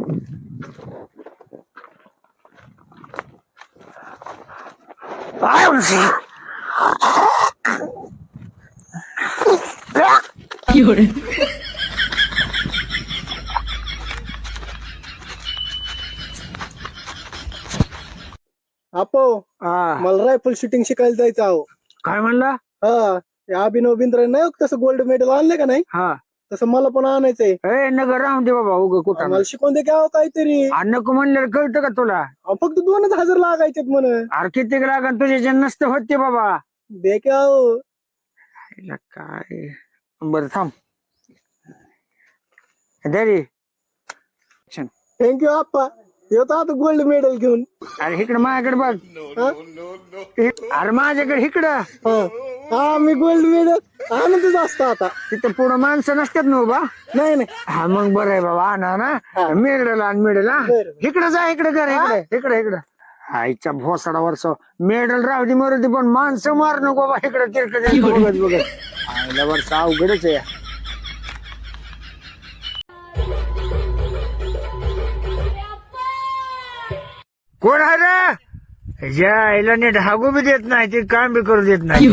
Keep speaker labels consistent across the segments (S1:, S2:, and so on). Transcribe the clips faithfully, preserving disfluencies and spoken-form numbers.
S1: आपो
S2: हा
S1: मला रायफल शूटिंग शिकायला जायचं आहो.
S2: काय म्हणला?
S1: हा ते अभिनव बिंद्रा नाही हो, तसं गोल्ड मेडल आणलं का नाही
S2: हा
S1: तसं मला पण आणायचंय.
S2: ए नगर राहून दे बाबा उग कुठं
S1: मला शिकवून दे घ्यावं काहीतरी.
S2: नको म्हणलं कळतं का तुला?
S1: अहो, फक्त दोनच हजार लागायचेत म्हण.
S2: अरे किती लागन तुझे जे नसते होते बाबा.
S1: दे की आहो.
S2: हिला काय बरं थांब दरी.
S1: थँक्यू आप्पा. येतो आता गोल्ड मेडल घेऊन.
S2: अरे इकडे माझ्याकडे बघ.
S1: हा?
S2: अरे माझ्याकडे इकडं.
S1: हा हा, मी गोल्ड मेडल आणतच असतो आता.
S2: तिथं पुढं माणसं नसतात ना बा.
S1: नाही नाही
S2: हा मग बरं आहे बाबा आणा ना
S1: हा.
S2: मेडल आण मेडल. हा
S1: बरं.
S2: इकडे जा इकडे कर इकडे इकडे इकडे. आईच्या भोसडा वर्ष मेडल राहू दे मरू दे पण माणसं मार नको बाबा. इकडे तिरकडे बघत बघत आईला वर्ष अवघडच आहे. कोण आहे रे? ज्या आईला नीट हागू बी देत नाही ते काम बी करू देत नाही.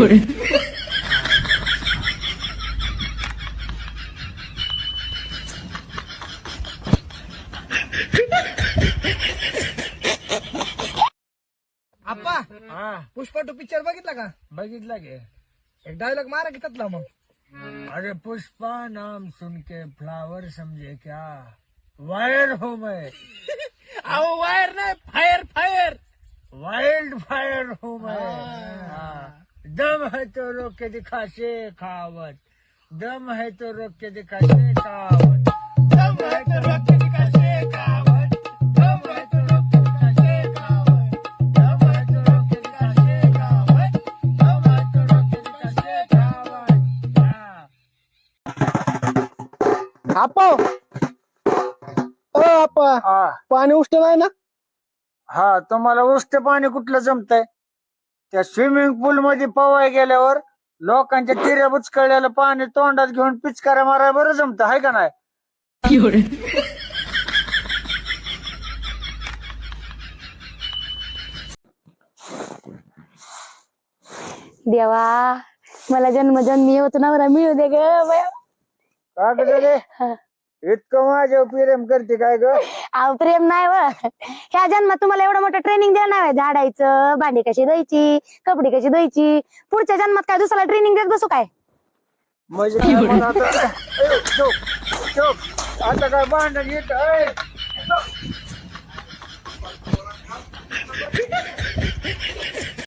S3: आप्पा
S2: हा
S3: पुष्पा टू पिक्चर बघितला का?
S2: बघितला गे.
S3: एक डायलॉग मारा की त्यातला मग.
S2: अरे पुष्पा नाम सुन के फ्लावर समझे क्या वायर हो मैं.
S3: अहो वायर नाही, फायर फायर.
S2: वाइल्ड फायर हूँ मैं. हाँ. दम है तो रोक के दिखा शेखावत. दम है तो रोक के दिखा शेखावत.
S3: दम है तो रोक के दिखा शेखावत. दम है तो रोक के दिखा शेखावत.
S2: दम है तो रोक के दिखा शेखावत. दम है तो रोक के दिखा शेखावत. हाँ.
S1: आप्पा ओ आप्पा
S2: हा
S1: पाणी उष्ट नाही ना?
S2: हा तुम्हाला उष्ट पाणी कुठलं जमतंय? त्या स्विमिंग पूल मध्ये पवाय गेल्यावर लोकांच्या तिऱ्या बुचकळलेलं पाणी तोंडात घेऊन पिचकाऱ्या माराय बरं जमत आहे का नाही?
S4: देवा मला जन्मजन्मी होत नवरा मिळू दे ग बया.
S2: का ग रे इतकं माझ्या प्रेम करते काय ग?
S4: अहो प्रेम नाही व. ह्या जन्मात तुम्हाला एवढं मोठं ट्रेनिंग देणार आहे. झाडायचं, भांडी कशी धुवायची, कपडे कशी धुवायची. पुढच्या जन्मात काय दुसऱ्याला ट्रेनिंग देत बसू काय?
S2: म्हणजे काय मला आता ए, चुप, चुप. आता काय भांडण येत